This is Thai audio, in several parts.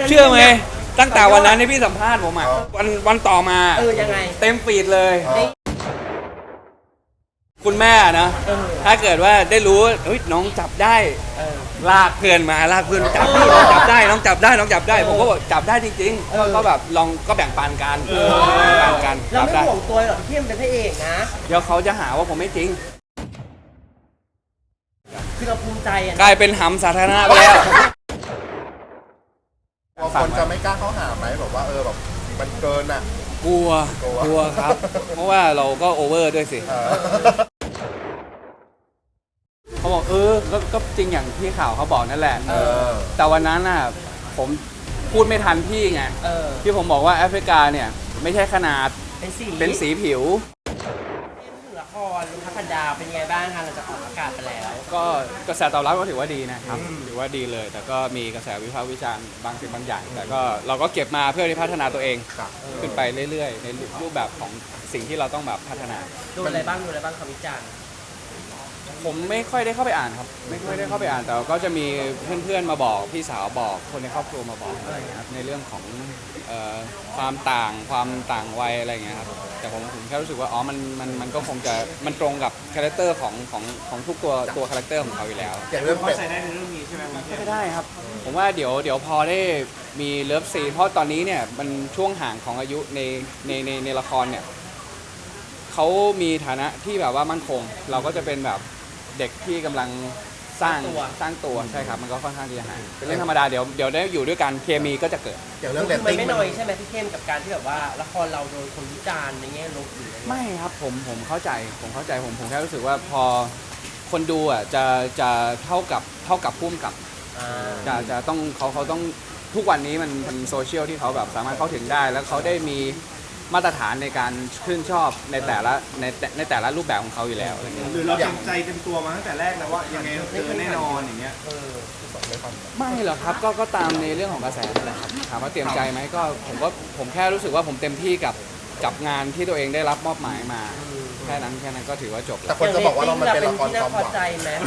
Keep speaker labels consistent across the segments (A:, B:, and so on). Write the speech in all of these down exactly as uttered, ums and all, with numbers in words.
A: เชื่อไหมตั้งแต่วันนั้นที่พี่สัมภาษณ์ผมอ่ะวันวันต่อมาเออยังไงเต็มฟีดเลยคุณแม่นะถ้าเกิดว่าได้รู้เฮ้ยน้องจับได้ลากเพื่อนมาลากเพื่อนจับพี่น้องจับได้น้องจับได้น้องจับได้ผมก็บอกจับได้จริงๆก็แบบลองก็แบ่งปันกันแบ่งกัน
B: เราไม่ห่วงตัวหรอกที่มันเป็นพระเอกนะ
A: เดี๋ยวเขาจะหาว่าผมไม่จริง
B: คือเราภูมิใจอ่ะ
A: กลายเป็นหำสาธารณะไปแล้ว
C: คนจะไม่กล้าเข้าหาไหมแบบว่าเออแบบมันเกินอ่ะ
A: กลัวกลัวครับเพราะว่าเราก็โอเวอร์ด้วยสิเขาบอกเออก็จริงอย่างที่ข่าวเขาบอกนั่นแหละแต่วันนั้นน่ะผมพูดไม่ทันพี่ไงที่ผมบอกว่าแอฟริกาเนี่ยไม่ใช่ขนาดเป็นสีผิว
B: ละครลุงทัพพันดาวเป็นไงบ้างคะหลังจากออกอากาศไปแล้ว
A: ก็กระแสตอบรับก็ถือว่าดีนะครับถือว่าดีเลยแต่ก็มีกระแสวิพากษ์วิจารณ์บางสิ่งบางอย่างแต่ก็เราก็เก็บมาเพื่อที่พัฒนาตัวเองขึ้นไปเรื่อยๆในรูปแบบของสิ่งที่เราต้องแบบพัฒนา
B: ดูอะไรบ้างดูอะไรบ้างคำวิจารณ์
A: ผมไม่ค่อยได้เข้าไปอ่านครับไม่ค่อยได้เข้าไปอ่านแต่ก็จะมีเพื่อนๆมาบอกพี่สาวบอกคนในครอบครัวมาบอกอะไรอย่างเงี้ยครับในเรื่องของความต่างความต่างวัยอะไรอย่างเงี้ยครับแต่ผมผมแค่รู้สึกว่าอ๋อมันมันมันก็คงจะมันตรงกับคาแรคเตอร์ของของของทุกตัวตัวคาแรคเตอร์ของเขาอยู่แล้ว
C: อย่างเรื่องเป็ด
A: ใส่ได้ในเรื่องนี้ใช่ไหมไม่ได้ครับผมว่าเดี๋ยวเดี๋ยวพอได้มีเลิฟซีนเพราะตอนนี้เนี่ยมันช่วงห่างของอายุในในในในละครเนี่ยเขามีฐานะที่แบบว่ามั่นคงเราก็จะเป็นแบบเด็กที่กำลังสร้างสร้างตัวใช่ครับมันก็ค่อนข้างที่จะห่างเป็นเรื่องธรรมดาเดี๋ยวเดี๋ยวได้อยู่ด้วยกันเคมีก็จะเกิด
C: อย่างเรื่องเรต
B: ติ้
C: ง
B: ไม่น้อยใช่ไหมพี่เข้มกับการที่แบบว่าละครเราโดนคนวิจารณ์ในแง่ลบหรือ
A: ไม่ครับผมผมเข้าใจผมเข้าใจผมผมแค่รู้สึกว่าพอคนดูอ่ะจะจะเท่ากับเท่ากับพุ่มกับจะจะต้องเขาเขาต้องทุกวันนี้มันเป็นโซเชียลที่เขาแบบสามารถเข้าถึงได้แล้วเขาได้มีมาตรฐานในการชื่นชอบในแต่ละในในแต่ละรูปแบบของเขาอยู่แล้วอะไรเงี้ย
D: หรือเราเต็มใจเต็มตัวมาตั้งแต่แรกแล้วว่ายังไงเจอแน่นอนอย่างเงี้ย
A: ไม่หรอกครับก็ก็ตามในเรื่องของกระแสนั่นแหละครับถามว่าเตรียมใจไหมก็ผมก็ผมแค่รู้สึกว่าผมเต็มที่กับกับงานที่ตัวเองได้รับมอบหมายมาแค่นั้นแค่นั้นก็ถือว่าจบ
C: แต่คนจะบอกว่าเรามันเป็นละครความหวัง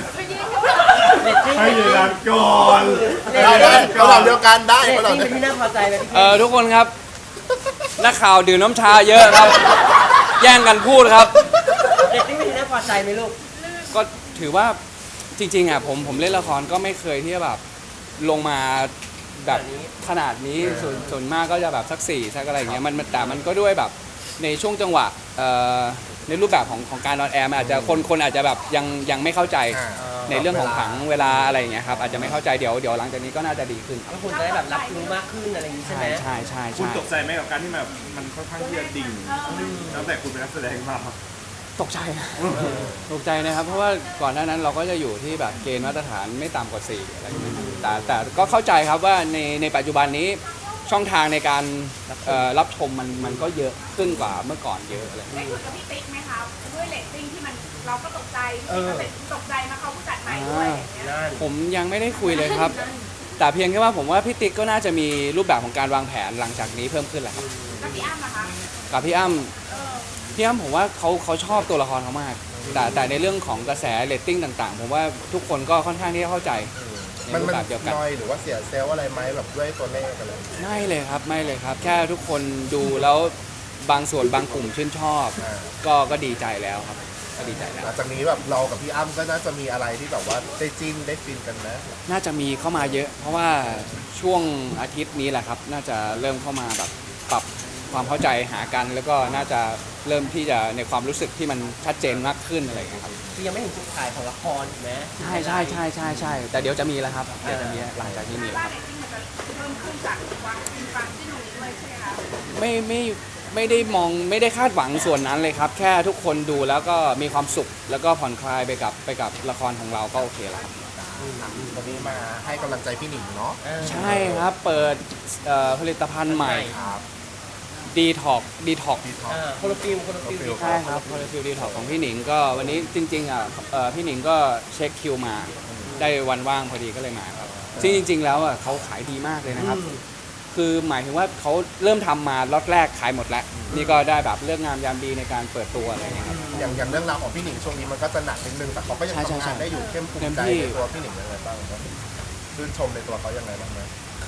D: ให้ยืนยันก่อน
C: ได้ได้เราเดียวกันได้
B: เราเป็นที่น่าพอใจไหม
A: เออทุกคนครับนักข่าวดื่มน้ำชาเยอะครับแย่งกันพูดครับ
B: เด็กนี่เป็นที่น่าพอใจไหมลูก
A: ก็ถือว่าจริงๆอ่ะผมผมเล่นละครก็ไม่เคยที่จะแบบลงมาแบบขนาดนี้ส่วนส่วนมากก็จะแบบสักสี่สักอะไรอย่างเงี้ยมันแต่มันก็ด้วยแบบในช่วงจังหวะในรูปแบบของของการนอนแอร์มันอาจจะคนคนอาจจะแบบยังยังไม่เข้าใจในเรื่องของผังเวลาอะไรอย่างเงี้ยครับอาจจะไม่เข้าใจเดี๋ยวเดี๋ยวหลังจากนี้ก็น่าจะดีขึ้น
B: ก็คุณจะได้แบบรับรู้มากขึ้นอะไรอย่างนี้ใช่ไหม
A: ใช่ใช่
D: คุณตกใจไหมกับการที่แบบมันค่อนข้างที่จะดิ่งตั้งแต่คุณเป็นนักแสดงมา
A: ตกใจตกใจนะครับเพราะว่าก่อนหน้านั้นเราก็จะอยู่ที่แบบเกณฑ์มาตรฐานไม่ต่ำกว่าสี่อะไรอย่างเงี้ยแต่แต่ก็เข้าใจครับว่าในในปัจจุบันนี้ช่องทางในการรับชมมันมันก็เยอะขึ้นกว่าเมื่อก่อนเยอะอะไร
E: ได้คุยกับพี่ติ๊กไหมคะด้วยเรตติ้งที่มันเราก็ตกใจตกใจมาเขาผู้จัดใหม่ด้วย
A: ผมยังไม่ได้คุยเลยครับ แต่เพียงแค่ว่าผมว่าพี่ติ๊กก็น่าจะมีรูปแบบของการวางแผนหลังจากนี้เพิ่มขึ้นแหละครับ
E: กับพี่อ้ำนะคะ
A: กับพี่อ้ำพี่อ้ำผมว่าเขาเขาชอบตัวละครเขามากแต่แต่ในเรื่องของกระแสเรตติ้งต่างๆผมว่าทุกคนก็ค่อนข้างที่จะเข้าใจ
C: มันมันน้อยหรือว่าเสียเซลล์อะไรไหมแบบด้วยตัวเลขอะไร
A: ไม่เลยครับไม่เลยครับแค่ทุกคนดูแล้วบางส่วนบางกลุ่มชื่นชอบก็ก็ดีใจแล้วครับก็ดีใจแล้ว
C: หลังจากนี้แบบเรากับพี่อ้ำก็น่าจะมีอะไรที่แบบว่าได้จิ้นได้ฟินกันนะ
A: น่าจะมีเข้ามาเยอะเพราะว่าช่วงอาทิตย์นี้แหละครับน่าจะเริ่มเข้ามาแบบปรับความเข้าใจหากันแล้วก็น่าจะเริ่มที่จะในความรู้สึกที่มันชัดเจนมากขึ้นอะไรอย่างเงี้ยครับ
B: คือยังไม่เห็นจุดขายของละครถูกไหม
A: ใช่ใช่ใช่ใช่ใช่แต่เดี๋ยวจะมีแล้วครับเดี๋ยวจะมีหลังจากที่มีแล้วครับไม่ไม่ไม่ได้มองไม่ได้คาดหวังส่วนนั้นเลยครับแค่ทุกคนดูแล้วก็มีความสุขแล้วก็ผ่อนคลายไปกับไปกับละครของเราก็โอเคแล้วครับ
C: วันนี้มาให้กำลังใจพี่หนิงเนาะ
A: ใช่ครับเปิดผลิตภัณฑ์ใหม่ดีท็อกดีท็อก
B: โคโลฟิลโคโลฟิล
A: ใช่ครับโคโลฟิลดีท็อกของพี่หนิงก็วันนี้จริงๆอ่ะพี่หนิงก็เช็คคิวมาได้วันว่างพอดีก็เลยมาครับซึ่งจริงๆแล้วอ่ะเขาขายดีมากเลยนะครับคือหมายถึงว่าเขาเริ่มทำมาล็อตแรกขายหมดแล้วนี่ก็ได้แบบเรื่องงามยามดีในการเปิดตัวอะไรอย่างเงี้ยครับ
C: อย่างอย่างเรื่องราวของพี่หนิงช่วงนี้มันก็จะหนักนิดนึงแต่เขาก็ยังทำงานได้อยู่เข้มภูมิใจในตัวพี่หนิงยังไงบ้างครับชื่นชมในตัวเขายังไงบ้างไหม
A: ค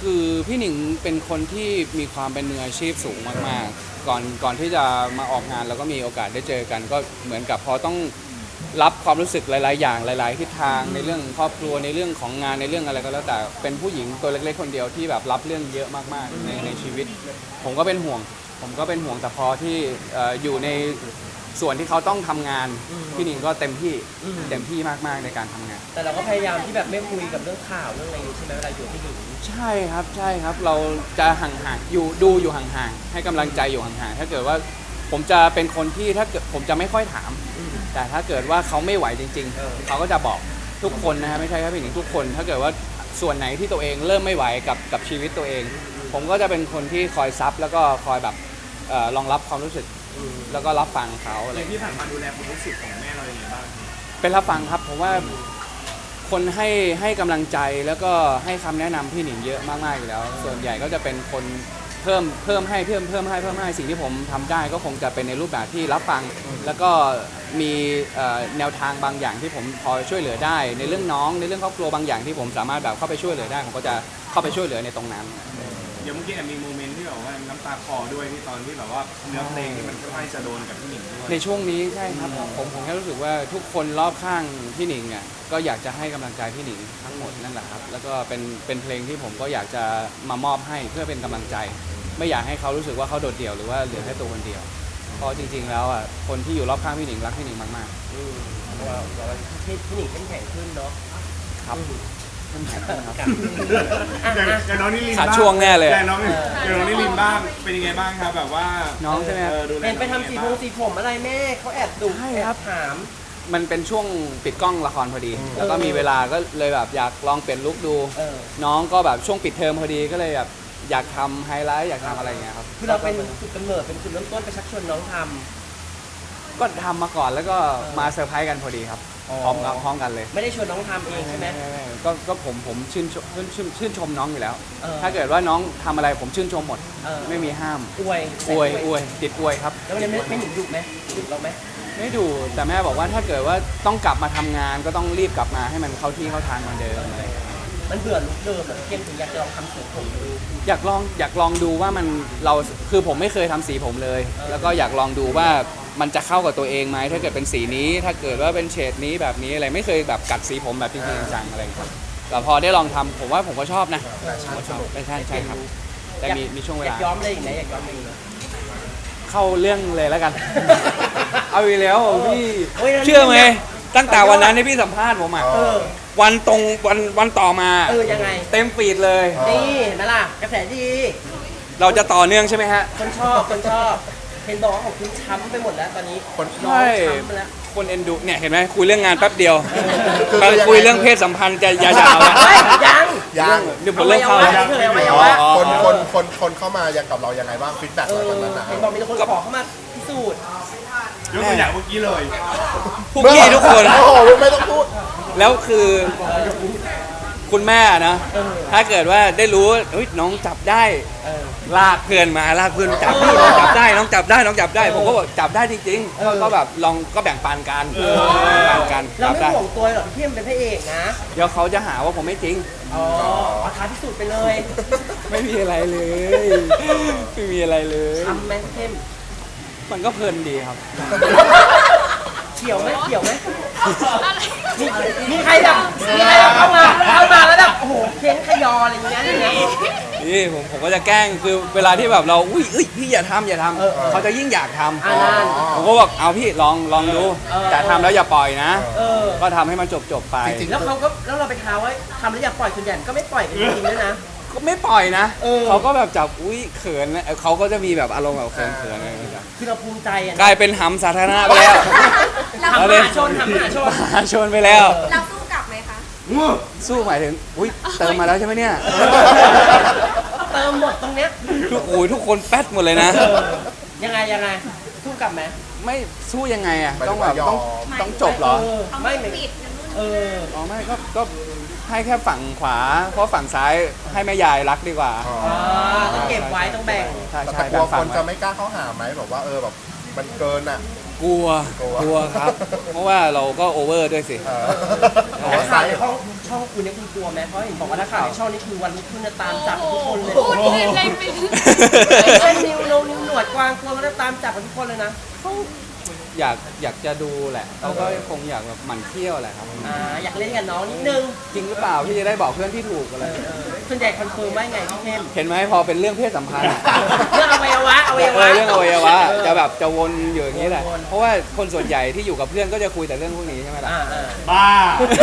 A: คือพี่หนิงเป็นคนที่มีความเป็นมืออาชีพสูงมากๆ ก่อนก่อนที่จะมาออกงานแล้วก็มีโอกาสได้เจอกัน ก็เหมือนกับพอต้องรับความรู้สึกหลาย ๆ อย่างหลาย ๆ ทิศทางในเรื่องครอบครัวในเรื่องของงานในเรื่องอะไรก็แล้วแต่เป็นผู้หญิงตัวเล็ก ๆ คนเดียวที่แบบรับเรื่องเยอะมากๆในในชีวิต ผมก็เป็นห่วง ผมก็เป็นห่วงแต่พอที่เอ่ออยู่ในส่วนที่เขาต้องทำงานพี่หนิงก็เต็มที่เต็มที่มากๆในการทำงาน
B: แต่เราก็พยายามที่แบบไม่คุยกับเรื่องข่าวเรื่องอะไรอย่างนี้ใช่ไหมเวลาอยู่ที่หญิง
A: ใช่ครับใช่ครับเราจะห่างๆอยู่ดูอยู่ห่างๆให้กำลังใจอยู่ห่างๆถ้าเกิดว่าผมจะเป็นคนที่ถ้าเกิดผมจะไม่ค่อยถาม แต่ถ้าเกิดว่าเขาไม่ไหวจริง
B: เออ
A: ๆเขาก็จะบอกทุกคนนะฮะไม่ใช่แค่พี่หนิงทุกคน ถ้าเกิดว่าส่วนไหนที่ตัวเองเริ่มไม่ไหวกับกับชีวิตตัวเอง ผมก็จะเป็นคนที่คอยซับแล้วก็คอยแบบเอ่อรองรับความรู้สึกแล้วก็รับฟังเขาอะไร
D: อย่างที่ผ่านมาดูแลความรู้สึกของแม่เราอย่างไรบ้าง
A: เป็นรับฟังครับผมว่าคนให้ให้กำลังใจแล้วก็ให้คำแนะนำพี่หนิงเยอะมากๆอยู่แล้ว ส่วนใหญ่ก็จะเป็นคนเพิ่มเพิ่มให้เพิ่มเพิ่มให้เพิ่มให้สิ่งที่ผมทำได้ก็คงจะเป็นในรูปแบบที่รับฟัง แล้วก็มีเอ่อแนวทางบางอย่างที่ผมพอช่วยเหลือได้ ในเรื่องน้องในเรื่องครอบครัวบางอย่างที่ผมสามารถแบบเข้าไปช่วยเหลือได้ผมก็จะเข้าไปช่วยเหลือในตรงนั้น
D: เดี๋ยวเมื่อกี้แอบมีโมเมนต์ที่แบบว่าน้ำตาคลอด้วยที่ตอนที่แบบว่าเนื้อเพลงที่มันค่อนข้างจะโดนกับพี่หนิงด้วย
A: ในช่วงนี้ใช่ครับผมผมแค่รู้สึกว่าทุกคนรอบข้างพี่หนิงอ่ะก็อยากจะให้กำลังใจพี่หนิงทั้งหมดนั่นแหละครับแล้วก็เป็นเป็นเพลงที่ผมก็อยากจะมามอบให้เพื่อเป็นกำลังใจ ไม่อยากให้เขารู้สึกว่าเขาโดดเดี่ยวหรือว่าเหลือแค่ตัวคนเดียวเพราะจริง ๆ แล้วอ่ะคนที่อยู่รอบข้างพี่หนิงรักพี่หนิงมาก
B: อืมเพราะว่าเราพี่พี่หนิงเข้มแข็งขึ้นเนาะ
A: ๆครับเข้มแข็งขึ้นครับ
B: อ่ะ
D: อย่าง
B: อ่ะ
D: อย่างน้องนิลิน
A: ขาด
D: บ้าง
A: ช่วงแน่เลย
D: อย่างน้องอย่างน้องนิลินบ้างเป็นยังไงบ้างครับแบบว่า
A: น้องใช่ไหมครับ
D: เออดูแล
B: เห็นไปทำสีผมสีผมอะไรแม่เขาแอบดุ
A: ใช่
B: แอ
A: ครับ
B: บถาม
A: มันเป็นช่วงปิดกล้องละครพอดี แล้วก็มีเวลาก็เลยแบบอยากลองเปลี่ยนลุคดู
B: เออ
A: น้องก็แบบช่วงปิดเทอมพอดีก็เลยแบบอยากทำไฮไลท์อยากทำอะไรอย่างเงี้ยครับ
B: คือเราเป็นจุดกำเนิดเป็นจุดเริ่มต้นไปชักชวนน้องท
A: ก็ทำมาก่อนแล้วก็มาเซอร์ไพรส์กันพอดีครับ
B: อ๋อ
A: พร้อมกับพร้อมกันเลย
B: ำไม่ได้ชวนน้องทำเองใช่ไหม
A: ก็ก็ผมผมชื่นชมชื่นชื่นชื่นชมน้องอยู่แล้ว
B: เออ
A: ถ้าเกิดว่าน้องทำอะไรผมชื่นชมหมด
B: เออ
A: ไม่มีห้าม
B: อวย
A: อวยอวยติดอวยครับ
B: แล้ววันนี้ไม่ไม่หนิงดุไหมดุเราไหม
A: ไม่ดูแต่แม่บอกว่าถ้าเกิดว่าต้องกลับมาทำงานก็ต้องรีบกลับมาให้มันเข้าที่เข้าทางเหมือนเดิมอะไรอย่างเงี้ย
B: มันเบื่อลุคเดิมแบบเข้มถึงอยากจะลองทำสีผมดู
A: อยากลองอยากลองดูว่ามันเราคือผมไม่เคยทำสีผมเลย แล้วก็อยากลองดูว่ามันจะเข้ากับตัวเองไหมถ้าเกิดเป็นสีนี้ ถ้าเกิดว่าเป็นเฉดนี้แบบนี้อะไรไม่เคยแบบกัดสีผมแบบจริงๆจังๆอะไรอย่างเงี้ยแต่พอได้ลองทำผมว่าผมก็ชอบนะ
C: แฟชั่นสนุก
A: ไม่ใช่ใช่ครับ แต่มีมีช่วงเว
B: อยา
A: ลา
B: กย้อมเลยอีกไหนอยากย้อมเลยอีกไหน
A: เข้าเรื่องเลยแล้วกัน เอาอีกแล้วพี่
B: โอ้ย
A: เชื่อไหมตั้งแต่วันนั้นที่พี่สัมภาษณ์ผมอ่ะ
B: เออ
A: วันตรงวันวันต่อมา
B: เออยังไง
A: เต็มฟีดเลย
B: นี่เห็นไหมล่ะกระแสดี
A: เราจะต่อเนื่องใช่ไหมฮะ
B: คนชอบคนชอบเห็นบอกว่าของคุณช้ำไปหมดแล้วตอนนี้
C: คน
B: น้อง
A: ใช่
B: ช้ำไปแล้ว
A: คนเอ็นดูเนี่ยเห็นไหมคุยเรื่องงานแป๊บเดียว
C: คือ
A: ไป
C: คือยังไง
A: คุยเรื่องเพศสัมพันธ์จะยาวๆแล้ว
B: เฮ้ยยัง
C: ยัง
A: เดี๋ยวผมเริ่มเข้า
B: อ
A: แล้ว
B: วัยวะเฉยอวัยวะ
A: อ๋อ
C: คนคนคนคนเข้ามายังกับเรายังไงบ้างฟีดแบ็ก
B: เอ
C: หลัง
B: อ
C: จากนั้นนะ
B: เห็นบอกมีแต่คนขอเข้ามาพิสูจน์
D: ยกตัวอย่างเมื่อกี้เลย
A: พวกพี่ทุกคน
C: โอ้โหไม่ต้องพูด
A: แล้วคือคุณแม่นะ
B: เออ
A: ถ้าเกิดว่าได้รู้เฮ้ยน้องจับได้
B: เออ
A: ลากเพื่อนมาลากเพื่อนจับพี่น้องจับได้น้องจับได้น้องจับได้ ผมก็บอกจับได้จริง
B: เออ
A: ๆก็แบบลองก็แบ่งปันกันแบ่งปันกัน
B: เรา
A: จับ
B: ไม่
A: ได้
B: ห่วงตัวหรอกพี่เทียมเป็นพระเอกนะ
A: เดี๋ยวเขาจะหาว่าผมไม่จริง
B: อ๋อเอาท้าพิสูจน์ไปเลย
A: ไม่มีอะไรเลย ไม่มีอะไรเลย
B: ทำไหมเข้ม
A: มันก็เพลินดีครับ
B: เกี่ยวไหมเกี่ยวไหมมีมีใครแบบมีใครแบบเข้ามาเข้ามาแล้วแบบโอ้โหเค้นขยออะไรอย่างเงี้ยอย่างเงี้ย
A: นี่ผมผมก็จะแกล้งคือเวลาที่แบบเราอุ้ยเอ้ยพี่อย่าทำอย่าท
B: เออเออ
A: ำเขาจะยิ่งอยากทำ
B: อ่านั่น
A: ผมก็บอกเอาพี่ลองลองดู
B: เออ
A: แต่ทำแล้วอย่าปล่อยนะ
B: เออ
A: ก็ทำให้มันจบจบๆไป
C: จริง
B: แล้วเขาก็แล้วเราไปท้าว่าทำแล้วอย่าปล่อยส่วนใหญ่ก็ไม่ปล่อยกันจริงๆด้วยนะ
A: ก็ไม่ปล่อยนะ
B: เออ
A: เขาก็แบบจับอุ้ยเขินนะเขาก็จะมีแบบอารมณ์แบบเขินเขินอะไรอย่างเงี้ย
B: คือเราภูมิใจอะ
A: กลายเป็นหำสาธารณะไปแล้ว
B: ทำมหาชนทำมหาชน
A: มหาชนไปแล้ว
E: เราสู้กลับไหมคะ
A: สู้หมายถึงอุ้ยเติมมาแล้วใช่ไหมเนี่ย
B: เติมหมดตรงเนี้ย
A: ทุกโอ้ยทุกคนแป๊ดหมดเลยนะ
B: เออยังไงยังไงสู้กลับไหม
A: ไม่สู้ยังไงอ่ะ
C: หมายถึง
A: ต้องแบบ
C: ว่ายอม
A: ต้องต้องจบเหรอ
B: เออ
E: เขา
B: ไม่
E: ไม่
B: ไม่
E: ปิดนั่นนู่น
B: เออ
A: อ๋อไม่ก็ก็ให้แค่ฝั่งขวา เพราะฝั่งซ้ายให้แม่ยายรักดีกว่า
C: อ๋อ
B: อ่าต้องเก็บไว้ต้องแบ่ง
A: ใช่
C: แต่
A: ใช่
C: กลัว
A: แบ่ง
C: ค
A: ฝั่ง
C: น
A: ไว้
C: จะไม่กล้าเข้าหาไหมแบบว่าเออแบบมันเกินอ่ะ
A: กลัว
C: กลัว
A: กลัวครับ เพราะว่าเราก็โอเวอร์ด้วยสิ
C: เออ
B: นักข่าวในช่องช่องคุณเนี่ยคุณกลัวไหมเพราะเห็นบอกว่านักข่าวในช่องนี้คือวันรุ่งขึ้นจะตามจับทุกคนเลย
E: โอ้โหพูดเล่นไปถึง
B: เช่นนิวโนนิวหนวดกวางกลัวมันจะตามจับกันทุกคนเลยนะ
A: อยากอยากจะดูแหละเขาก็คงอยากแบบหมั่นเที่ยวแหละครับ
B: อ่าอยากเล่นกับน้องนิดนึง
A: จริงหรือเปล่าที่จะได้บอกเพื่อนที่ถูกอะไร
B: เออส่วนใหญ่คอนเฟิร์มว่าไงพี่เข้ม
A: เห็นไหมพอเป็นเรื่องเพศสัมพันธ์อะ
B: เรื่องอวัยวะอวัย
A: เอ
B: วะ
A: อเรื่องอวัยวะจะแบบจะวนอยู่อย่างนี้แหละ
B: วนๆ
A: เพราะว่าคนส่วนใหญ่ที่อยู่กับเพื่อนก็จะคุยแต่เรื่องพวกนี้ใช่ไหมล่ะ
B: อ่าอ่า
D: บ้า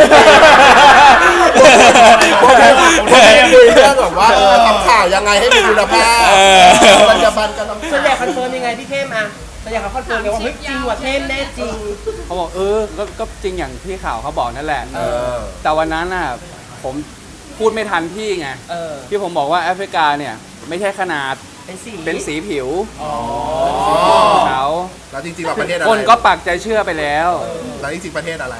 C: พวกนี้พวกนี้คุยเรื่องแบบว่าเออทำข่าวยังไงให้มีคุณภาพ
A: เออ
C: มันจะบันกันต้อง
B: ส่วนใหญ่คอนเฟิร์มยังไงพี่เข้มอ่ะส่วนใหญ่เขาคอนเฟิร์มกันว่าเฮ้ยจริงว่ะเข้มแน่จริง
A: เขาบอกเออก็ก็จริงอย่างที่ข่าวเขาบอกนั่นแหละ
C: เออ
A: แต่วันนั้นน่ะผมพูดไม่ทันพี่ไง
B: เออ
A: ที่ผมบอกว่าแอฟริกาเนี่ยไม่ใช่ขนาด
B: เป็นสี
A: เป็นสีผิว
B: อ๋อ
A: ของเขา
C: แล้วจริงๆเราประเทศอะไร
A: คนก็ปักใจเชื่อไปแล้ว
C: แล้วจริงๆประเทศอะไร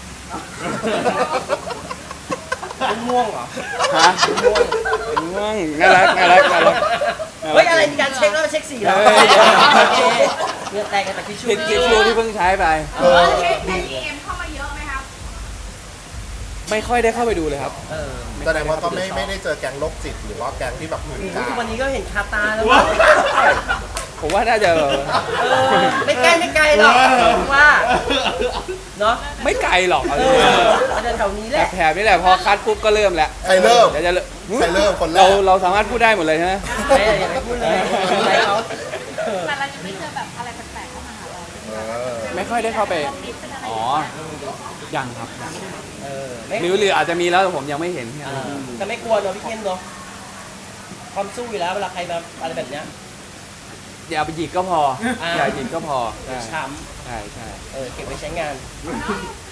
B: เป็นม่วงเหรอ
A: ฮะง่วงน่ารักน่ารักน่ารัก
B: เฮ้ยอะไรมีการเช็คแล้วเช็คสีแล้ว
A: เฮ้ย
B: โอเคเงื่อแตกกันแต่ทิชชู่
A: ผิดกี่ชูที่เพิ่งใช้ไป
C: เออ
E: เช็คในดีเอ็มเข้ามาเยอะไหมครับ
A: ไม่ค่อยได้เข้าไปดูเลยครับ
B: เออ
C: แสดงว่าก็ไม่ไม่ได้เจอแก๊งโรคจิตหรือว่าแก๊งที่แบบเหมือนกัน
B: ทุกวันนี้ก็เห็นคาตาแล้วมั้ง
A: ผมว่าน่าจะ
B: เออไม่ใกล้ไม่ไกลหรอกว่าเนาะ
A: ไม่ไกลหรอกเอา
B: เอ
A: จริง
B: อเอาแถวๆนี้แหละ
A: ๆแถบๆนี่แหละพอคัดปุ๊บก็เริ่มแล้ว
C: ใครเริ่ม
A: เดี๋ยวจะเริ่ม
C: ใครเริ่มคนแรก
A: เราเราสามารถพูดได้หมดเลยใช่ไหม
B: ไม่อย่าไปพูดเลยอะไรเขาเออ
E: แต่เราจะไม่เจอแบบอะไรแปลกๆเข้ามาหาเรา
C: เออ
A: ไม่ค่อยได้เข้าไป
E: ติดเป็นอะไร
A: อ๋อ ยังครับยัง
B: เออไม่
A: หรือหรืออาจจะมีแล้วแต่ผมยังไม่เห็นแค่
B: เอ
A: นั้น
B: อแต่ไม่กลัวเนาะพี่เข้มเนาะความสู้อยู่แล้วเวลาใครมาอะไรแบบเนี้ย
A: อย่าไปหยิกก็พอ
B: อ่า
A: อย่าหยิกก็พอใช่
B: ช้
A: ใช่ใช่
B: ำเออเก็บไว้ใช้งาน